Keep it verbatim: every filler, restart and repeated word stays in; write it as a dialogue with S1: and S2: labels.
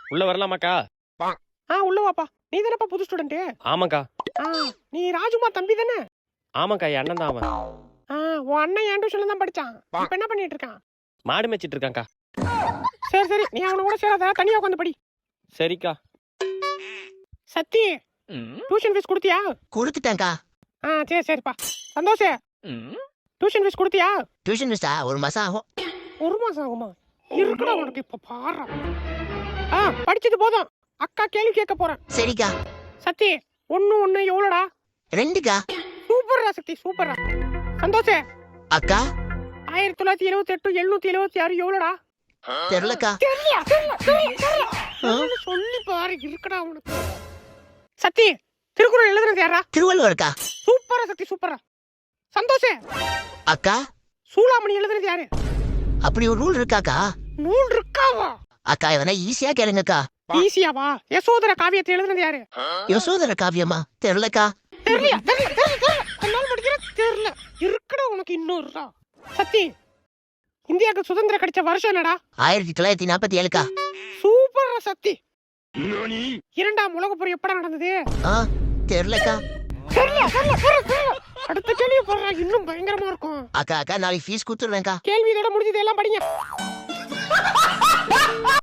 S1: உள்ள வரலாமாக்கா?
S2: ஆ உள்ள வாப்பா. நீ தானப்பா புது ஸ்டூடெண்ட்?
S1: ஆமாக்கா.
S2: ஆ நீ ராஜுமா தம்பி தானே?
S1: ஆமாக்கா, என் அண்ணன் தான் அவன்.
S2: ஆ உன் அண்ணன் என் டியூஷன்ல தான் படிச்சான். இப்ப என்ன பண்ணிட்டு இருக்கான்?
S1: மாடு மேய்ச்சிட்டு இருக்கான்க்கா.
S2: சரி சரி, நீ அவன கூட சேராத, தனியா உட்காந்து படி.
S1: சரிக்கா.
S2: சத்தி, டியூஷன் ஃபீஸ் கொடுத்தியா?
S3: கொடுத்துட்டேன்க்கா.
S2: ஆ சரி சரிப்பா. சந்தோஷ், டியூஷன் ஃபீஸ் கொடுத்தியா?
S3: டியூஷன் ஃபீஸா ஒரு மாசம் ஆகும்.
S2: ஒரு மாசம் ஆகுமா? இருக்குடா உனக்கு இப்ப பாரு. ஆ படிச்சது போதும், அக்கா கேள்வி கேட்க போறேன்.
S3: சரிக்கா.
S2: சத்தி, ஒன்னு ஒன்னு எவ்வளோடா?
S3: ரெண்டுக்கா.
S2: சூப்பர்ரா சத்தி, சூப்பர்ரா. சந்தோஷ்,
S3: அக்கா
S2: ஆயிரத்தி தொள்ளாயிரத்தி எழுபத்தி எட்டு எழுநூத்தி எழுபத்தி ஆறு எவ்வளோடா?
S3: தெரியலக்கா.
S2: தெரியல தெரியல தெரியல சொல்லி பாரு, இருக்குடா உனக்கு. சத்தி, திருக்குறள் எழுதுனது யாரா?
S3: திருவள்ளுவர்க்கா.
S2: சூப்பரா சத்தி, சூப்பரா. சந்தோஷ்,
S3: அக்கா
S2: சூளாமணி எழுதுனது யாரு?
S3: அப்படி ஒரு ரூல் இருக்காக்கா?
S2: நூல் இருக்காவா?
S3: அக்கா எதனா ஈஸியா கேளுங்கக்கா.
S2: ஈஸியாவா? யசோதர காவியத்தை எழுதுனது யாரு?
S3: யசோதர காவியமா? தெரியலக்கா.
S2: தெரியல தெரியல தெரியல என்னால படிக்கிற தெரியல, இருக்குடா உனக்கு இன்னொருடா. சத்தி, இந்தியாவுக்கு சுதந்திரம் கிடைச்ச வருஷம் என்னடா?
S3: ஆயிரத்தி தொள்ளாயிரத்தி நாற்பத்தி ஏழுக்கா.
S2: சூப்பரா சத்தி. இரண்டாம் உலக போர் எப்படா நடந்தது?
S3: ஆ தெரியலக்கா.
S2: தெரியல தெரியல தெரியல. அடுத்த கேள்வி போடுறா, இன்னும் பயங்கரமா இருக்கும்.
S3: அக்கா அக்கா நாளைக்கு ஃபீஸ் கொடுத்துருவேன்க்கா.
S2: கேள்வி இதோட முடிஞ்சது, எல்லாம் படிங்க.